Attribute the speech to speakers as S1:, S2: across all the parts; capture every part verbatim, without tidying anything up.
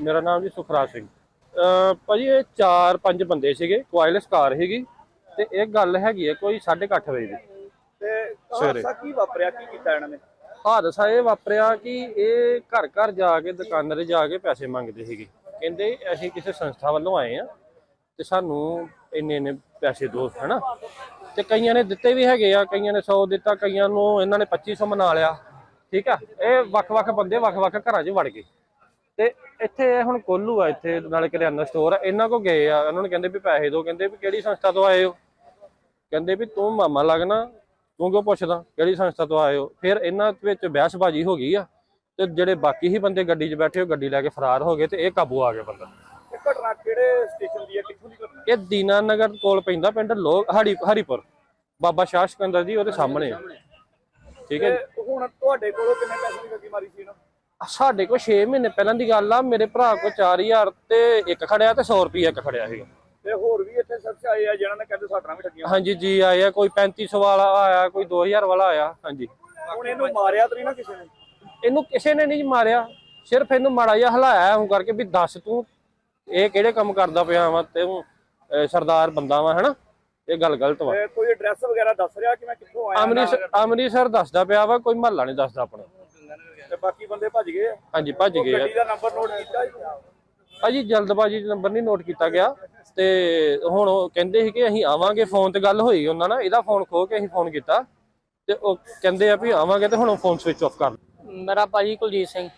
S1: ਮੇਰਾ ਨਾਮ ਜੀ ਸੁਖਰਾਜ ਸਿੰਘ। ਭਾਜੀ ਇਹ ਚਾਰ ਪੰਜ ਬੰਦੇ ਸੀਗੇ, ਕੁਆਇਲਸ ਕਾਰ ਸੀਗੀ ਤੇ ਇਹ ਗੱਲ ਹੈਗੀ ਹੈ ਕੋਈ ਸਾਢੇ ਕੁ ਅੱਠ ਵਜੇ ਦੀ
S2: ਤੇ
S1: ਸਵੇਰੇ।
S2: ਹਾਦਸਾ ਕੀ ਵਾਪਰਿਆ, ਕੀ ਕੀਤਾ ਇਹਨਾਂ ਨੇ?
S1: ਹਾਦਸਾ ਇਹ ਵਾਪਰਿਆ ਕਿ ਇਹ ਘਰ ਘਰ ਜਾ ਕੇ ਦੁਕਾਨਾਂ ਤੇ ਜਾ ਕੇ ਪੈਸੇ ਮੰਗਦੇ ਸੀਗੇ। ਕਹਿੰਦੇ ਅਸੀਂ ਕਿਸੇ ਸੰਸਥਾ ਵੱਲੋਂ ਆਏ ਆ ਤੇ ਸਾਨੂੰ ਇੰਨੇ ਇੰਨੇ ਪੈਸੇ ਦਿਓ, ਹੈਨਾ। ਤੇ ਕਈਆਂ ਨੇ ਦਿੱਤੇ ਵੀ ਹੈਗੇ ਆ, ਕਈਆਂ ਨੇ ਸੌ ਦਿੱਤਾ, ਕਈਆਂ ਨੂੰ ਇਹਨਾਂ ਨੇ ਪੱਚੀ ਸੌ ਮਨਾ ਲਿਆ। ਠੀਕ ਆ, ਇਹ ਵੱਖ-ਵੱਖ ਬੰਦੇ ਵੱਖ-ਵੱਖ ਘਰਾਂ 'ਚ ਵੜ ਗਏ ਤੇ ਇੱਥੇ ਹੁਣ ਕੋਲੂ ਆ, ਇੱਥੇ ਨਾਲੇ ਕਰਿਆਨਾ ਸਟੋਰ ਆ, ਇਹਨਾਂ ਕੋ ਗਏ ਆ। ਉਹਨਾਂ ਨੂੰ ਕਹਿੰਦੇ ਵੀ ਪੈਸੇ ਦਿਓ, ਕਹਿੰਦੇ ਵੀ ਕਿਹੜੀ ਸੰਸਥਾ ਤੋਂ ਆਏ ਹੋ? ਕਹਿੰਦੇ ਵੀ ਤੂੰ ਮਾਮਾ ਲੱਗਣਾ, ਤੂੰ ਕਿਉਂ ਪੁੱਛਦਾ ਕਿਹੜੀ ਸੰਸਥਾ ਤੋਂ ਆਏ ਹੋ? ਫਿਰ ਇਹਨਾਂ ਵਿੱਚ ਬਹਿਸਬਾਜ਼ੀ ਹੋ ਗਈ ਆ ਤੇ ਜਿਹੜੇ ਬਾਕੀ ਹੀ ਬੰਦੇ ਗੱਡੀ 'ਚ ਬੈਠੇ ਉਹ ਗੱਡੀ ਲੈ ਕੇ ਫਰਾਰ ਹੋ ਗਏ ਤੇ ਇਹ ਕਾਬੂ ਆ ਗਿਆ ਬੰਦਾ।
S2: ਇਹ ਘਟਨਾ ਕਿਹੜੇ ਸਟੇਸ਼ਨ ਦੀ ਹੈ, ਕਿੱਥੋਂ ਦੀ ਘਟਨਾ?
S1: ਇਹ ਦੀਨਾਨਗਰ ਕੋਲ ਪੈਂਦਾ, ਪਿੰਡ ਲੋਕ ਹਰੀ ਹਰੀਪੁਰ, ਬਾਬਾ ਸ਼ਾਹ ਸਿਕੰਦਰ ਜੀ ਉਹਦੇ ਸਾਹਮਣੇ ਆ। ਠੀਕ ਹੈ।
S2: ਤੇ ਹੁਣ ਤੁਹਾਡੇ ਕੋਲੋਂ ਕਿੰਨੇ ਪੈਸੇ ਦੀ ਠੱਗੀ ਮਾਰੀ ਸੀ ਇਹਨਾਂ?
S1: ਸਾਡੇ ਕੋਲ ਛੇ ਮਹੀਨੇ ਪਹਿਲਾਂ ਦੀ ਗੱਲ ਆ, ਮੇਰੇ ਭਰਾ ਕੋਲ ਚਾਰ ਹਜ਼ਾਰ ਤੇ ਇੱਕ ਖੜਿਆ ਤੇ ਸੌ ਰੁਪਈਆ ਇੱਕ ਖੜਿਆ ਸੀਗਾ।
S2: ਤੇ ਹੋਰ ਵੀ ਇੱਥੇ ਸ਼ਖਸ ਆਏ ਆ ਜਿਹਨਾਂ ਨੇ ਕਹਿੰਦੇ ਸਾਡਾ ਵੀ ਠੱਗੀਆਂ?
S1: ਹਾਂਜੀ ਜੀ ਆਏ ਆ, ਕੋਈ ਪੈਂਤੀ ਸੌ ਵਾਲਾ ਆਇਆ, ਕੋਈ ਦੋ ਹਜ਼ਾਰ ਵਾਲਾ ਆਇਆ। ਹਾਂਜੀ।
S2: ਹੁਣ ਇਹਨੂੰ ਮਾਰਿਆ ਤਾਂ ਨਹੀਂ ਨਾ ਕਿਸੇ ਨੇ?
S1: ਇਹਨੂੰ ਕਿਸੇ ਨੇ ਨਹੀਂ ਮਾਰਿਆ, ਸਿਰਫ ਇਹਨੂੰ ਮਾੜਾ ਜਿਹਾ ਹਲਾਇਆ ਹੁਣ ਕਰਕੇ ਵੀ ਦੱਸ ਤੂੰ ਇਹ ਕਿਹੜੇ ਕੰਮ ਕਰਦਾ ਪਿਆ ਵਾ, ਤੇ ਤੂੰ ਸਰਦਾਰ ਬੰਦਾ ਵਾ, ਹਨਾ। ਇਹ ਗੱਲ ਗਲਤ ਵਾ।
S2: ਕੋਈ ਐਡਰੈਸ ਵਗੈਰਾ ਦੱਸ ਰਿਹਾ ਕਿ ਮੈਂ ਕਿੱਥੋਂ ਆਇਆ?
S1: ਅੰਮ੍ਰਿਤਸਰ ਅੰਮ੍ਰਿਤਸਰ ਦੱਸਦਾ ਪਿਆ ਵਾ, ਕੋਈ ਮਹੱਲਾ ਨਹੀਂ ਦੱਸਦਾ ਆਪਣਾ।
S2: ਤੇ ਬਾਕੀ ਬੰਦੇ ਭੱਜ ਗਏ ਆ?
S1: ਹਾਂਜੀ ਭੱਜ ਗਏ ਆ।
S2: ਗੱਡੀ ਦਾ ਨੰਬਰ ਨੋਟ ਕੀਤਾ ਜੀ?
S1: ਭਾਜੀ ਜਲਦਬਾਜ਼ੀ 'ਚ ਨੰਬਰ ਨਹੀਂ ਨੋਟ ਕੀਤਾ ਗਿਆ ਤੇ ਹੁਣ ਉਹ ਕਹਿੰਦੇ ਸੀ ਕਿ ਅਸੀਂ ਆਵਾਂਗੇ, ਫੋਨ ਤੇ ਗੱਲ ਹੋਈ ਉਹਨਾਂ ਨਾਲ, ਇਹਦਾ ਫੋਨ ਖੋ ਕੇ ਅਸੀਂ ਫੋਨ ਕੀਤਾ ਤੇ ਉਹ ਕਹਿੰਦੇ ਆ ਵੀ ਆਵਾਂਗੇ ਤੇ ਹੁਣ ਫੋਨ ਸਵਿਚ ਆਫ ਕਰ।
S3: ਮੇਰਾ ਭਾਜੀ ਕੁਲਜੀਤ ਸਿੰਘ।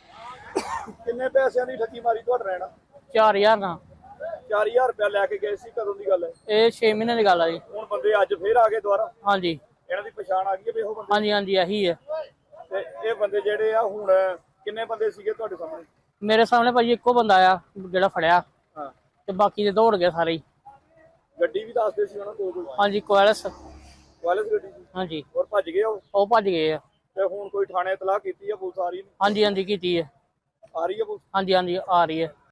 S2: ਕਿੰਨੇ ਪੈਸਿਆਂ ਦੀ ਠੱਗੀ ਮਾਰੀ ਤੁਹਾਡੇ ਰਹਿਣਾ?
S3: ਚਾਰ ਹਜ਼ਾਰ ਦਾ।
S2: ਚਾਰ ਹਜ਼ਾਰ ਰੁਪਇਆ ਲੈ ਕੇ ਗਏ ਸੀ, ਕਦੋਂ ਦੀ ਗੱਲ ਹੈ?
S3: ਇਹ ਛੇ ਮਹੀਨੇ ਦੀ ਗੱਲ ਆ ਜੀ।
S2: ਹੁਣ ਬੰਦੇ ਅੱਜ ਫੇਰ ਆ ਗਏ ਦੁਬਾਰਾ?
S3: ਹਾਂਜੀ
S2: ਇਹਨਾਂ ਦੀ ਪਛਾਣ ਆ ਗਈ ਹੈ ਵੀ ਉਹ ਬੰਦੇ?
S3: ਹਾਂਜੀ ਹਾਂਜੀ ਇਹੀ ਹੈ।
S2: ਤੇ ਇਹ ਬੰਦੇ ਜਿਹੜੇ ਆ ਹੁਣ ਕਿੰਨੇ ਬੰਦੇ ਸੀਗੇ ਤੁਹਾਡੇ ਸਾਹਮਣੇ?
S3: ਮੇਰੇ ਸਾਹਮਣੇ ਭਾਜੀ ਇੱਕੋ ਬੰਦਾ ਆ ਜਿਹੜਾ ਫੜਿਆ,
S2: ਹਾਂ।
S3: ਤੇ ਬਾਕੀ ਦੇ ਦੌੜ ਗਏ ਸਾਰੇ ਹੀ।
S2: ਗੱਡੀ ਵੀ ਦੱਸਦੇ ਸੀ ਉਹਨਾਂ ਕੋਲ ਕੋਈ?
S3: ਹਾਂਜੀ ਕੁਆਲਿਸ।
S2: ਵਾਇਲਸ ਗੱਡੀ ਸੀ?
S3: ਹਾਂਜੀ।
S2: ਹੋਰ ਭੱਜ ਗਏ ਉਹ?
S3: ਉਹ ਭੱਜ ਗਏ ਆ।
S2: ਤੇ ਹੁਣ ਕੋਈ ਥਾਣੇ ਇਤਲਾਹ ਕੀਤੀ ਹੈ? ਪੁਲਿਸ ਆ ਰਹੀ ਹੈ?
S3: ਹਾਂਜੀ ਹਾਂਜੀ ਕੀਤੀ ਹੈ।
S2: ਆ ਰਹੀ ਹੈ ਪੁਲਿਸ?
S3: ਹਾਂਜੀ ਹਾਂਜੀ ਆ ਰਹੀ ਹੈ।